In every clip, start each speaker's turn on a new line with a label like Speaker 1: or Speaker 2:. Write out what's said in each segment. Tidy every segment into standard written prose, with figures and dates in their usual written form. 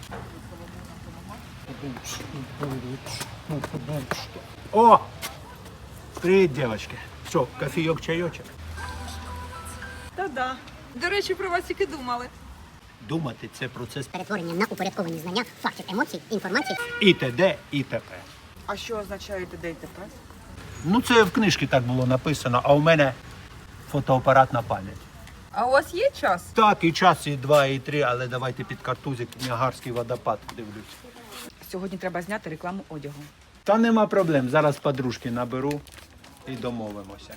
Speaker 1: О! Привіт, дівчатки. Що, кофійок, чайочок?
Speaker 2: Та-да. До речі, про вас тільки думали.
Speaker 1: Думати – це процес
Speaker 3: Перетворення на упорядковані знання, фактів, емоцій, інформації.
Speaker 1: і т.д. і т.п.
Speaker 2: А що означає ДТП?
Speaker 1: Ну, це в книжці так було написано, а у мене фотоапаратна пам'ять.
Speaker 2: А у вас є час?
Speaker 1: Так, і час, і 2, і 3, але давайте під картузик Ніагарський водопад дивлюсь.
Speaker 2: Сьогодні треба зняти рекламу одягу.
Speaker 1: Та нема проблем, зараз подружки наберу і домовимося.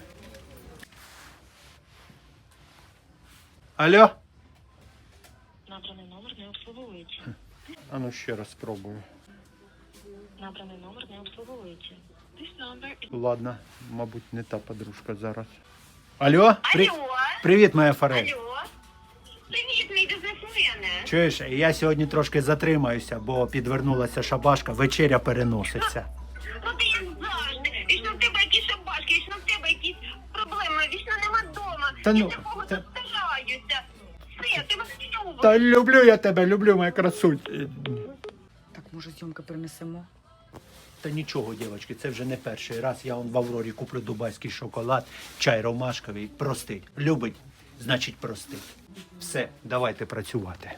Speaker 1: Алло?
Speaker 4: Набраний номер не обслуговується.
Speaker 1: А ну ще раз спробую.
Speaker 4: Набраний номер не обслуговується. This number is...
Speaker 1: Ладно, мабуть, не та подружка зараз. Алло?
Speaker 5: Алло.
Speaker 1: Привіт, моя Форель.
Speaker 5: Алло. Привіт, мій бізнесмене.
Speaker 1: Чуєш, я сьогодні трошки затримаюся, бо підвернулася шабашка, вечеря переноситься.
Speaker 5: Ну ти як завжди. Вічно в тебе якісь шабашки, вічно в тебе якісь проблеми, вічно нема вдома.
Speaker 1: Та ну,
Speaker 5: Я такого
Speaker 1: та-
Speaker 5: тут стараюся. Все, ти мене любиш.
Speaker 1: Та люблю я тебе, люблю, моя красунь.
Speaker 2: Так, може, зйомки перенесемо?
Speaker 1: Та нічого, дівчатки, це вже не перший раз. Я в Аврорі куплю дубайський шоколад, чай ромашковий. Простить. Любить, значить простить. Все, давайте працювати.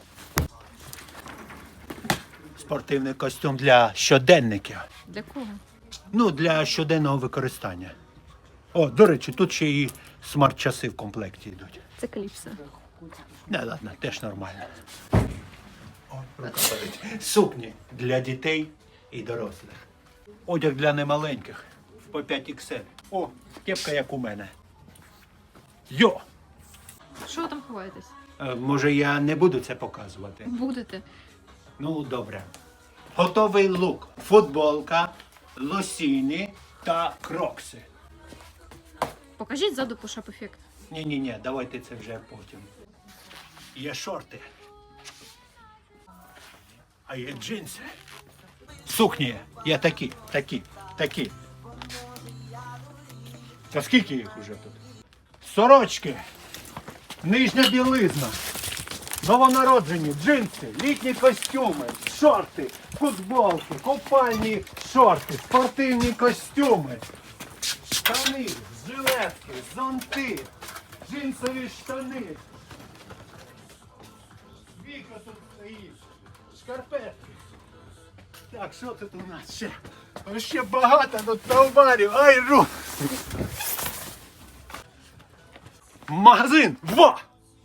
Speaker 1: Спортивний костюм для щоденників.
Speaker 6: Для кого?
Speaker 1: Ну, для щоденного використання. О, до речі, тут ще і смарт-часи в комплекті йдуть.
Speaker 6: Це кліпса.
Speaker 1: Не, ладно, теж нормально. Ой, рука болить. Сукні для дітей і дорослих. Одяг для немаленьких. По 5XL. О, кепка як у мене. Йо!
Speaker 6: Що ви там ховаєтесь?
Speaker 1: Може, я не буду це показувати?
Speaker 6: Будете.
Speaker 1: Ну, добре. Готовий лук. Футболка, лосіни та крокси.
Speaker 6: Покажіть ззаду пушап ефект.
Speaker 1: Ні, давайте це вже потім. Є шорти. А є джинси. Сукні. Є такі. Та скільки їх уже тут? Сорочки. Нижня білизна. Новонароджені, джинси, літні костюми, шорти, футболки, купальні шорти, спортивні костюми, штани, жилетки, зонти, джинсові штани. Віка тут стоїть, шкарпетки. Так, що тут у нас ще? Ще багато тут товарів, ай, ру! Магазин! Во!